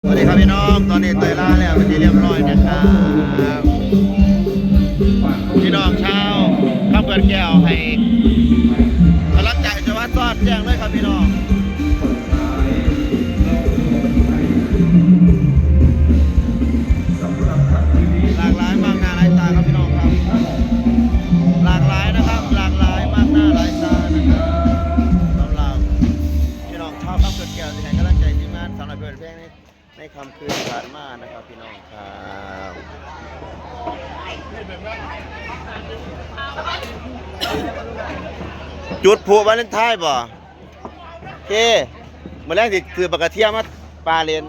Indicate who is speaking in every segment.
Speaker 1: สวัสดีครับพี่น้องตอนนี้เตยล่าแล้วเป็นที่เรียบร้อยนะครับพี่น้องชาวข้ามเกินแก้วให้กำลังใจจังหวัดซอดแจ้งเลยครับพี่น้องหลากหลายมากหน้าหลายตาครับพี่น้องครับหลากหลายนะครับหลากหลายมากหน้าหลายตานะครับสำหรับพี่น้องชาวข้ามเกินแก้วที่ให้กำลังใจทีมงานสำหรับเพื่อนเพลงนี้ในคำคืนผ่านมานะครับพี่น้องครับจุดผูวาเลนไทน์บ่โอเคเมื่อแรกที่คือปากกาเทียมมาปลาเลน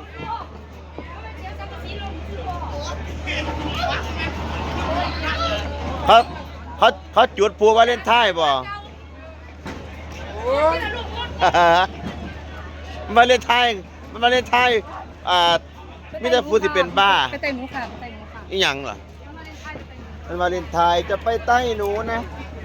Speaker 1: เขาจุดผูวาเลนไทน์บ่วาเลนไทน์วาเลนไทน์มิตรฟูที่เป็นบ้า
Speaker 2: ไปไต่หมูค่ะไปไต่หมูค่ะ
Speaker 1: อีหยังล่ะเป็นวาเลนไทน์จะไปใต้หนูนะ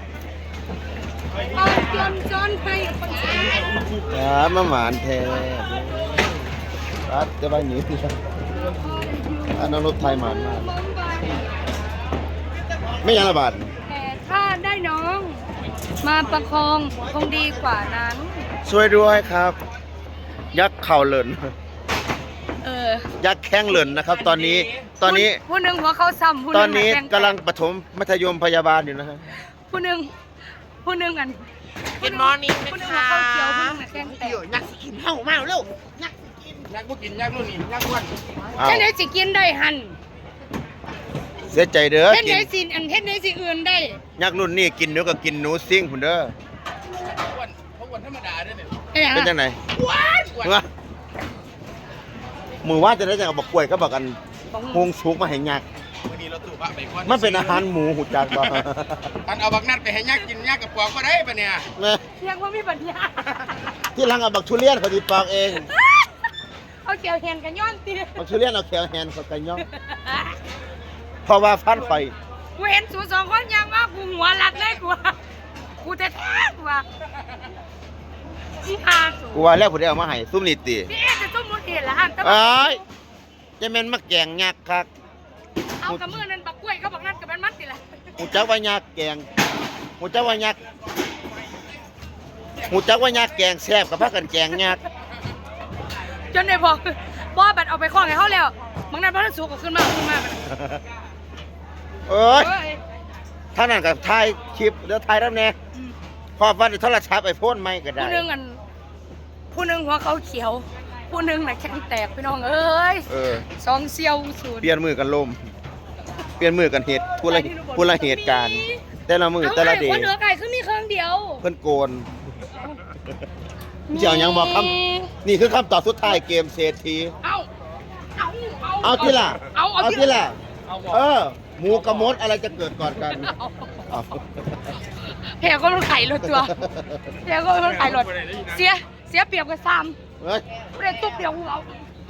Speaker 2: เอาเตรียมจอนไปคนสวย
Speaker 1: มาหมานแท้รัดจะไปหนีอันนั้นรถไทยหมานมากไม่ยังระบาด
Speaker 2: แต่ถ้าได้น้องมาประคองคงดีกว่านั้น
Speaker 1: ช่วยด้วยครับยักษ์เข่าเหลินยักษ์แข้งเหลินนะครับตอนนี้
Speaker 2: ผู้หนึ่งหัวเขาซ้ำ
Speaker 1: ตอนนี้กำลังปฐมมัธยมพยาบาลอยู่นะฮะ
Speaker 2: ผู้หนึ่งกัน
Speaker 3: กินมอร์นิ่งนะ
Speaker 2: คะ
Speaker 3: คะ
Speaker 2: เขียวผู้หนึ่งแกงแตก
Speaker 3: ยักษ์กินเห่ามาเร็วยักษ์กินยักษ์บ่กินยักษ์รุ่นนี้ยักษ์อ้วน
Speaker 2: เฮ็ดไหนสิกินได้หัน
Speaker 1: เสียใจเด้อ
Speaker 2: เฮ็ดไหนสิเฮ็ดไหนสิอื่นได้
Speaker 1: ยักษ์รุ่นนี้กินเนื้อก็กินหนูซิ่งพุ่นเด้อ
Speaker 3: อ้วนธรรมดาเด้อเนี่ย
Speaker 1: เป็นจังไหนมือว่าจะได้จังบอกกล้วยก็บอกกันฮงสุกมาให้ยักษ์
Speaker 3: วันนี้เราตู่พระไปก่อน
Speaker 1: มันเป็นอาหารหมูหุดจักบ่
Speaker 3: อันเอาบักนัดไปให้ยักษ์กินยักษ์กับปอกก็ได้ปะเนี่ย
Speaker 2: ยังว่ามีปัญญา
Speaker 1: ที่หลังเอาบักทุเรียนเขาสิปอกเอง
Speaker 2: เอาเขียวแฮนกันย้อนติ
Speaker 1: บักทุเรียนเอาเขียวแฮนเขากันย้อนเพราะว่าฟันไฟ
Speaker 2: กูเห็นสูสองคนยังว่ากูหัวรัดเลยกูแท้ๆกูว่า
Speaker 1: กูว่าแล้วผู้ใดเอามาให้ซุ่มนี่ติ
Speaker 2: พี่จะซุ่มบ่เห็นละอัน
Speaker 1: เอ้ยจะแม่นมาแกงยักษ์คัก
Speaker 2: เอากระมือนั้นบักกล้วยเขาบอกนั่นกับมันติล่ะ
Speaker 1: หูจักว่ายักษ์แกงหูจักว่ายักษ์หูจักว่ายักษ์แกงแซ่บกับพากันแกงยักษ์
Speaker 2: จนได้บอกบ่บัดเอาไปคล้องให้เฮาแล้วบางนั้นบ่ทันสุกก็ขึ้นมา
Speaker 1: เอ้ยท่านั้นก็ถ่ายคลิปแล้วถ่ายแล้วแน่พอฟันโทรศัพท์ไอโฟนใหม่ก็ได้
Speaker 2: ผู้หนึงหัวเขาเขียวผู้หนึงน่ะแข็งแตกพี่น้องเอ้ยสองเซี่ยวสูตร
Speaker 1: เปลี่ยนมือกันลมเปลี่ยนมือกันเหตุผู้ละเหตุการณ์แต่ละมือแต่ละเดย์
Speaker 2: คนเหนือไก่คือมีเครื่องเดียว
Speaker 1: เพิ่นโกนเจ้ายังบอกคำนี่คือคำตอบสุดท้ายเกมเศรษฐีเอาที่ล่ะเอาที่ล่ะหมูกระมดอะไรจะเกิดก่อนกัน
Speaker 2: แผลก็มันไข่รถตัวแผลก็มันไข่รถเสียเปรียบกับซ้ำเปรียบตุ๊บเดียวเรา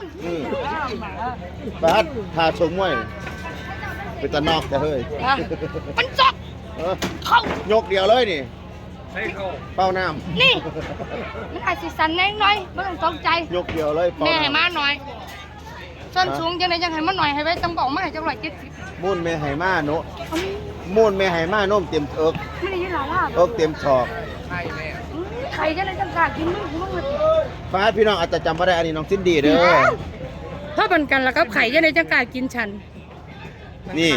Speaker 1: บ้านพาชมมวยเป็นตะนอกแต่เฮ้ย
Speaker 2: มันจอก
Speaker 1: เข้ายกเดียวเลยนี่เป้าน้
Speaker 2: ำนี่มันอาจสิสันน้อยไม่ต้องตกใจ
Speaker 1: ยกเดียวเลย
Speaker 2: แม่ให้มาหน่อยส้นสูงยังไงยังให้มาหน่อยให้ไว้ต้องบอกมาให้จังหวัด70
Speaker 1: มุ่นแม่ให้มาโนมุ่นแม่ให้มาโน้มเต็มเอิก
Speaker 2: ไม่ได้ยินหรอล่ะ
Speaker 1: เอิกเต็มชอบ
Speaker 2: ไข่จะได้จังกากินมึง
Speaker 1: ฟ้าพี่น้องอาจจะจำไม่ได้อันนี้น้องซินดี้เด้อ
Speaker 2: ถ้าบันกันแล้วก็ไข่จะได้จังกากินฉัน
Speaker 1: นี่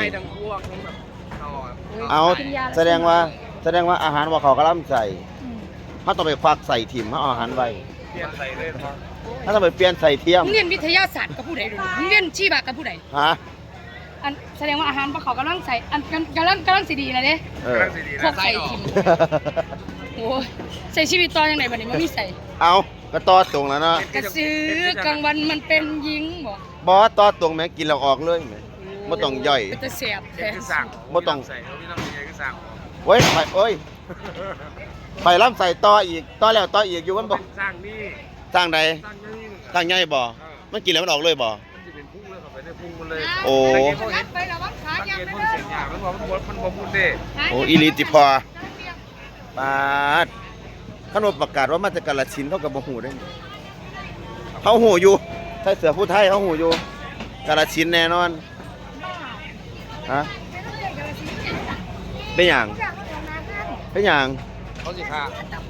Speaker 1: เอาแสดงว่าอาหารว่าเขากระลำใส่เขาต้องไปควักใส่ถิ่มเขาอาหารไว้
Speaker 3: เปลี่ยนใส่เลยครับ
Speaker 1: ถ้าต้องไปเปลี่ยนใส่เทียม
Speaker 2: เรียนวิทยาศาสตร์กับผู้ใดดูเรียนชีวะกับผู้ใดอันแสดงว่าอาหารว่าเขากำลังใส่อันกำลังสีดีนะเนี่ยพวกใส่ถิ่มโอ้ใส่ชีวิตต่อยังไงบัดนี้มันมีใส่
Speaker 1: เอาก็ต่อตรงแล้วเนาะ
Speaker 2: กระซื้อกลางวันมันเป็นยิง
Speaker 1: บอต่อตรงไหมกินเราออกเลยไหมไม่ต้องย่อย
Speaker 2: จะเสียบ
Speaker 1: ไม่ต้อง
Speaker 3: ใส่เขาไม่ต้องมีอะไรก็สั่ง
Speaker 1: เว้ยไปล้ำใส่ต่ออีกต่อแล้วต่ออีกอยู่มันบอก
Speaker 3: สร้างนี่
Speaker 1: สร้างใดสร้างใหญ่บ่มันกินแล้วมันออกเลยบ่
Speaker 3: มันจะเป็นพุ่งเลยเข้าไปในพุ่งมันเลย
Speaker 1: โอ้
Speaker 2: ไปแล้ววังขา
Speaker 3: ยังไม่ได้มันบอกมันพูดเด้
Speaker 1: โอ้อีลิติพอปาดขนมประกาศว่ามาจากกาฬสินธุ์เขากับบ่หูได้เขาหูอยู่ใส่เสื้อผู้ไทยเขาหูอยู่กาฬสินธุ์แน่นอนฮะเป็นอย่างเป็นอย่าง
Speaker 3: เขาสิค่ะ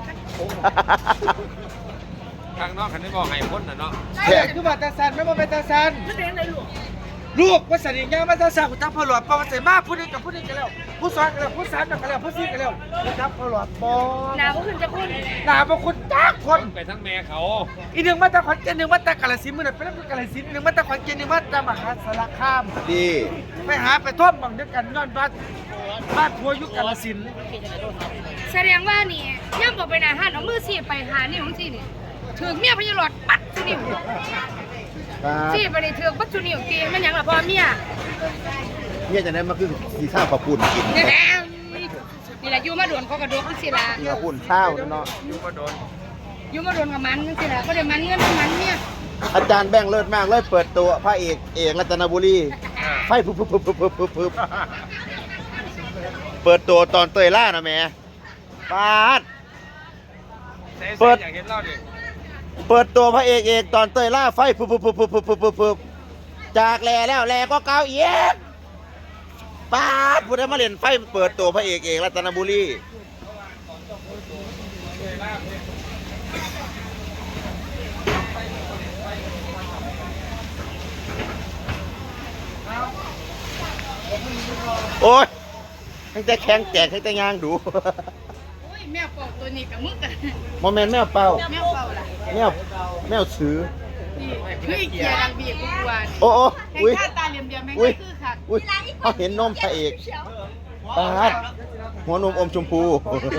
Speaker 3: ทางนอกคันได้บอกให้พ้นน่ะเนาะ
Speaker 1: แท้
Speaker 4: คือบัตรตาซันไม่มาเป็นตาซัน
Speaker 2: มันเป็นอะไรลูก
Speaker 4: ลูกว่าสันนิษฐานมาตาซันกูทับพอหลอดปอมาใส่มาผู้นี้กับผู้นี้กันแล้วผู้สอนกันแล้วผู้สานกันแล้วผู้ซีกันแล้วกูทับพอหลอดปอ
Speaker 2: หนาวก็ขึ้นจะคุณ
Speaker 4: หนาบางคนจ้าคน
Speaker 3: ไปทั้งแม่เขา
Speaker 4: อีหนึ่งมาตาขอนแก่นหนึ่งมาตากาฬสินธุ์มือนั่นเป็นกาฬสินธุ์หนึ่งมาตาขอนแก่นหนึ่งมาตามหาสารคาม
Speaker 1: ดี
Speaker 4: ไปหาไปท่วมบังเดียวกันย้อนบ้านทัวยุคกาฬสินธุ์
Speaker 2: แสดงว่านี่ย่ำบอกไปอาหารเอามือสีไปหานี่ของสีนี่ถึงเมียพญาหลอดปัดสุนิว
Speaker 1: ครับ
Speaker 2: สีไปในเถือกปัดสุนิวตีมันหยังล่ะพ่อเมีย
Speaker 1: เนี่ยจะได้มาคือสีข้าวขอบคุณกิน
Speaker 2: นี่แหละนี่แหละอยู่มาโดนเขากระโดดขึ้นสิละ
Speaker 1: กินขอบคุณข้าวเนาะ
Speaker 3: อยู่ก็โดน
Speaker 2: อยู่มาโดนกับมันจังสิละก็ได้มันเงินมันเนี่ย
Speaker 1: อาจารย์แบงค์เลิศมากเลยเปิดตัวพระเอกรัตนบุรีไฟปุ๊บเปิดตัวตอนเตยล่านะแม่ปาด เปิด
Speaker 3: อยากเห็นเล่าดิ
Speaker 1: เปิดตัวพระเอกตอนเตยล่าไฟปุ๊บจากแลแล้วแลก็เก้าเอียดปาดพูดได้มาเล่นไฟเปิดตัวพระเอกรัตนบุรีโอ้ยตั้งแต่แข็งแจกตั้งแต่ยางดู
Speaker 2: โอ้ยแมวเป่าตัวนี้กับมึกกัน
Speaker 1: โมเมนต์แมวเป่า
Speaker 2: แมวเป่าล่ะ
Speaker 1: แมวซื้อ
Speaker 2: นี่คืออีเกียดังบีบกูกวน
Speaker 1: โอ้
Speaker 2: แห่ง
Speaker 1: อุ้ย
Speaker 2: ข้าตาเหลี่ยมๆแม่ง
Speaker 1: อุ้ย
Speaker 2: ก็คือค่ะ
Speaker 1: อุ้ยเขาเห็นนมพระเอกปาดหัวนมอมชมพู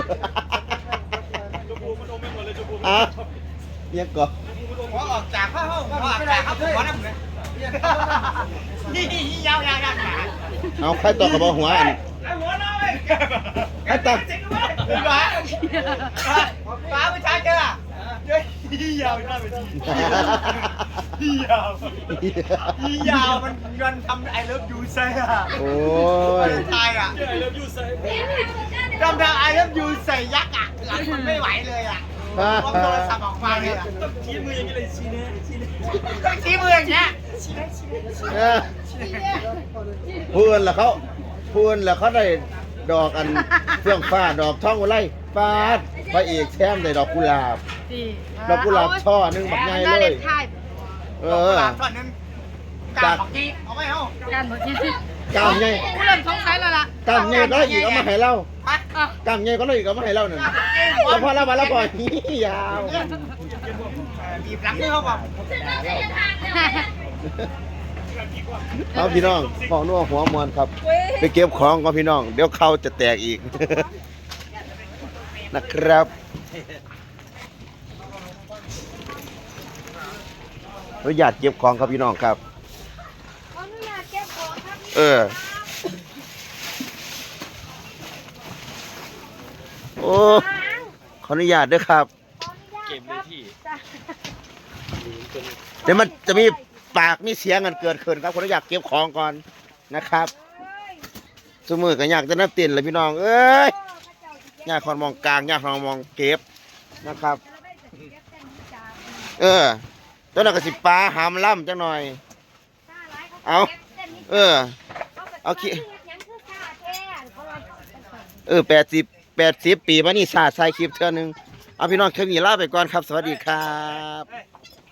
Speaker 1: อ่ะเรียกก่อน
Speaker 4: หัวออกจากผ้าห้องหัวออกจากผ้าหัวนั่นเลยนี่ยาวๆ
Speaker 1: เอาใครต่อกับหัวอัน
Speaker 4: หัวน้อย
Speaker 1: ใครต่อ
Speaker 4: ฟ้าผู้ชายเจอเฮ้ยยาวน่าเป็นยาวมันทำไอเลิฟยูใส่อะ
Speaker 1: โอ้ย
Speaker 4: ชายอะไอเลิฟยูใส่ทำไอเลิฟยูใส่ยักษ์อะหลังมันไม่ไหวเลยอะพอโทรศัพท์ออกมาเลยอะต้องชี้มืออย่างนี้เลยชี้เนี่ยต้องชี้มืออย่างเงี้ย
Speaker 1: เพื่อนล่ะเขาได้ดอกอันเฟื่องฟ้าดอกท่องอุไรฟาดพระเอกแช่มได้ดอกกุหลาบ ดอกกุหลาบช่อหนึงแบบใหญ่เลย เออ
Speaker 4: ตอนนั้นการบอกกี้เอาไม่เอา
Speaker 2: การบอกยี่
Speaker 1: กามไง
Speaker 2: กูเริ่มสงสัยแล้วล่ะ
Speaker 1: กามไงก็อีกเอามาให้เรา
Speaker 2: อ่ะ
Speaker 1: กามไงก็อีกเอามาให้เราหนึ่งแล้วพอเรามาแล้วก่อนยาว
Speaker 4: บีบหลังนี่เขาบอก
Speaker 1: เอาพี่น้องของนัวหัวมวนครับ ไปเก็บของก่อนพี่น้อง เดี๋ยวเขาจะแตกอีก นะครับอนุญาตเก็บของครับพี่น้องครับ
Speaker 2: ขออนุญาตเก็บของครับ
Speaker 1: เออ โอ้ ขออนุญาตด้วยครับ
Speaker 3: เก็บเลยที่
Speaker 1: เดี๋ยวมันจะมีปากมีเสียงกันเกิดขึ้นครับขออนุญาตเก็บของก่อนนะครับสมือก็อยากจะนับเต้นเลยพี่น้อง เอ้ยอยากคอนมองกลางอยากคอนมองเก็บนะครับ เออตัวนั้นก็สิปลาหามล่ำจังหน่อย เอาเออ เอาขี้80 ปีมานี่ศาสตร์ใส่คลิปเท่านึง เอาพี่น้องแค่นี้ลาไปก่อนครับ สวัสดีครับ